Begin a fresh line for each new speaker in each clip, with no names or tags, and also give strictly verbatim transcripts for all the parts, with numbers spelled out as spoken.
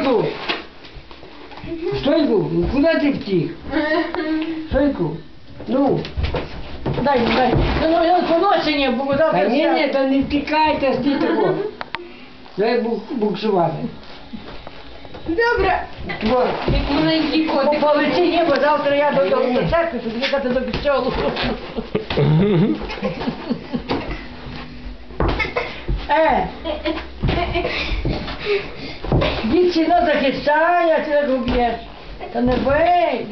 Шойку! Шойку, куди ти втік? Шойку, ну.
Дай, дай. Ну, ну, поношення, бо
Та
завтра...
ні, ні, та не втікайте, стійте того. Дай бук, буксувати.
Добре.
Вот.
Як маленький
По
котик.
полиці ні, бо завтра я до, до, до церкви, щоб їхати до костьолу. Е! Дід сіно захищає, а ти так уб'єш. Та не бий.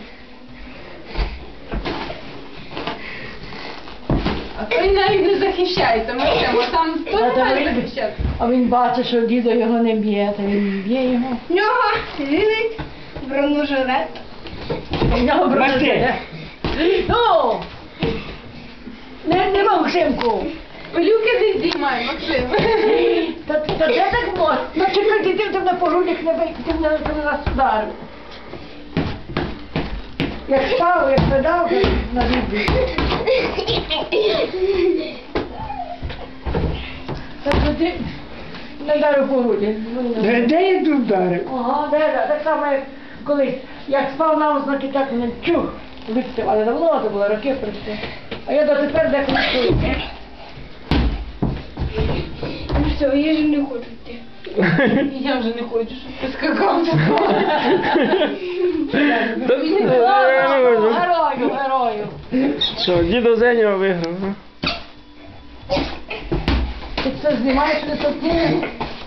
А той навіть не захищається, Максим, а там хто
А, та
має
ви-
захищати?
А він бачить, що дідо його не б'є, та він б'є його.
В нього лілить бронежилет.
У нього
Бачите?
брати. Ну! Не, не Максимку!
Пилюки не здіймай, Максим.
Та, та де так можна? Ну чекай, ти, ти на погрудях не бий, ти мене ти мене нас ударив. Як спав, як педав, на відбій. Так що ти не дарив по груді.
Де, де я тут вдарив?
Ага, де, де, так само як колись. Як спав на ознаки, так мене чух, випустив, але давно це було, роки пройшли. А я дотепер деколи чую.
Ну все, я ж не хочу йти.
Я вже не хочу, щоб ти скакав.
Герою, герою.
Що, дідо Зеня виграв, а?
Ти це знімаєш не сотні?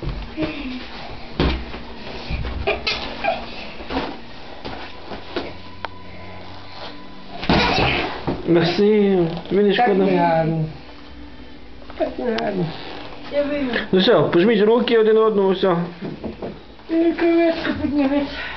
Максим, мені
Так
шкода.
не гарно. Так не гарно.
Я вийду.
Ну все, пожміть руки один одному, все.
Креветку піднімись.